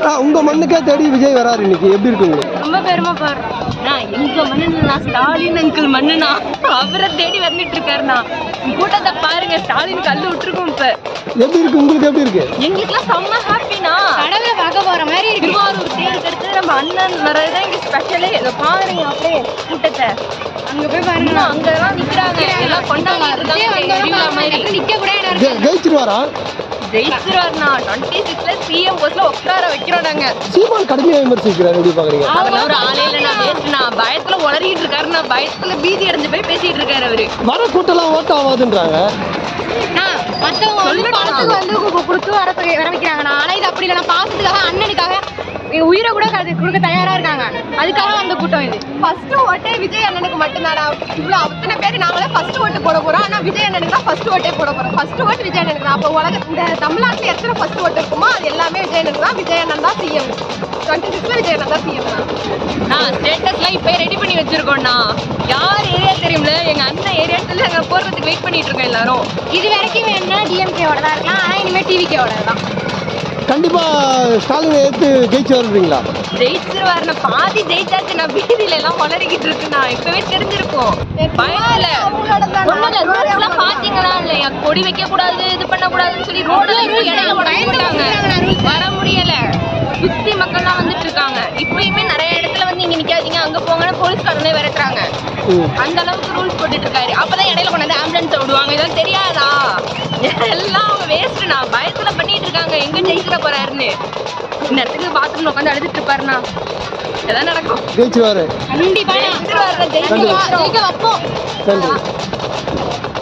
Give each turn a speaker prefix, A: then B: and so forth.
A: உங்க மண்ணுக்கே தேடி விஜய் வராரு இன்னைக்கு, எப்படி இருக்கு உங்களுக்கு?
B: ரொம்ப பெருமை பாருண்ணா. எங்க மண்ணுண்ணா, ஸ்டாலின் அங்கிள் மண்ணுண்ணா, அவரை தேடி வந்துட்டு இருக்காருண்ணா. கூட்டத்தை பாருங்க, ஸ்டாலின் கல்லு விட்டுருக்கோம். இப்ப
A: எப்படி இருக்கு உங்களுக்கு? எப்படி இருக்கு?
B: எங்களுக்குலாம் செம்ம ஹாப்பினா, கடவுளை பார்க்க போற மாதிரி. திருவாரூர் தேருக்கு அடுத்து நம்ம அண்ணன் வர்றதுதான் இங்க ஸ்பெஷலே. இதை பாருங்க அப்படியே கூட்டத்தை, அங்க போய் பாருங்க, அங்கெல்லாம் நிக்கிறாங்க, எல்லாம் கொண்டாடிட்டு இருக்காங்க. நிக்க கூட
A: ஜெயிச்சிருவாரா?
B: ஜெயிச்சிருவாருண்ணா. 26ல சிஎம் போஸ்ட்ல உட்கார வைக்கிறோம் நாங்க.
A: சீமான் கடுமையா விமர்சிக்கிறாரு, எப்படி பாக்குறீங்க?
B: அவர் ஒரு ஆளே இல்ல, நான் வேஸ்ட்னா, பயத்துல உளறிட்டு இருக்காருண்ணா. பயத்துல பீதி அடைஞ்சு போய் பேசிட்டு இருக்காரு அவரு.
A: வர கூட்டம்லாம் ஓட்ட ஆகாதுன்றாங்க.
B: மத்தவங்க பணத்துக்கு வந்து கொடுத்து வர வைக்கிறாங்கண்ணா. ஆனா இது அப்படி இல்லைண்ணா, பாசத்துக்காக, அண்ணனுக்காக உயிரை கூட கொடுக்க தயாரா இருக்காங்க. அதுக்காக அந்த கூட்டம் இது. ஃபர்ஸ்ட் ஓட்டே விஜய் அண்ணனுக்கு மட்டும்தானா? இவ்வளவு அத்தனை பேர் நாங்களே ஃபர்ஸ்ட் ஓட்டு போட போறோம். ஆனா விஜய் அண்ணனுக்கு தான் ஃபர்ஸ்ட் ஓட்டே போட போறோம். ஃபர்ஸ்ட் ஓட்டு விஜய் அண்ணனுக்கு தான். அப்போ உலக இந்த தமிழ்நாட்டுல எத்தனை ஃபர்ஸ்ட் ஓட்டு இருக்குமோ அது எல்லாமே விஜய் அண்ணனுக்கு தான். விஜய் அண்ணன் தான் சிஎம். 26ல விஜய் அண்ணன் தான் சிஎம். நான் ஸ்டேட்டஸ்லாம் இப்போ ரெடி பண்ணி வச்சிருக்கோம்ண்ணா. யார் ஏரியா தெரியும்ல, எங்க அண்ணன் ஏரியாத்துல நாங்க போறதுக்கு வெயிட் பண்ணிட்டு இருக்கோம் எல்லாரும். இது வரைக்கும் வேணும்னா டிஎம்கேவோட தான் இருக்கலாம், ஆனா இனிமே டிவிகேவோட தான்.
A: கண்டிப்பா ஸ்டாலினை ஏற்று ஜெயிச்சு வருவீங்களா?
B: ஜெயிச்சிருவாருண்ணா. பாதி ஜெயிச்சாச்சு. நான் வீதியில எல்லாம் வளரிக்கிட்டு இருக்குண்ணா. இப்பவே தெரிஞ்சிருக்கும். பயத்துல ரோட்லாம் பாத்தீங்களா இல்லையா? கொடி வைக்க கூடாது, இது பண்ண கூடாதுன்னு சொல்லி ரோடு இடையில உடைஞ்சுட்டாங்க. வர முடியல. சுத்தி மக்கள்லாம் வந்துட்டு இருக்காங்க. இப்பயுமே நிறைய இடத்துல வந்து இங்க நிக்காதீங்க, அங்க போங்கன்னு போலீஸ்காரனே விரட்டுறாங்க. அந்த அளவுக்கு ரூல்ஸ் போட்டுட்டு இருக்காரு. அப்பதான் இடையில கொண்டாந்து ஆம்புலன்ஸ் விடுவாங்க. இதெல்லாம் தெரியாதா? எல்லாம் அவங்க வேஸ்ட்ண்ணா. பயத்துல பண்ணிட்டு இருக்காங்க எங்க ஜெயிக்கிற போறாருன்னு. இந்த இடத்துக்கு பாத்ரூம்ல உட்காந்து அழுதுட்டு இருப்பாருண்ணா. எதாவது நடக்கும்.
A: ஜெயிச்சிருவாரு
B: கண்டிப்பா. ஜெயிக்க வைப்போம்.
A: நன்றி.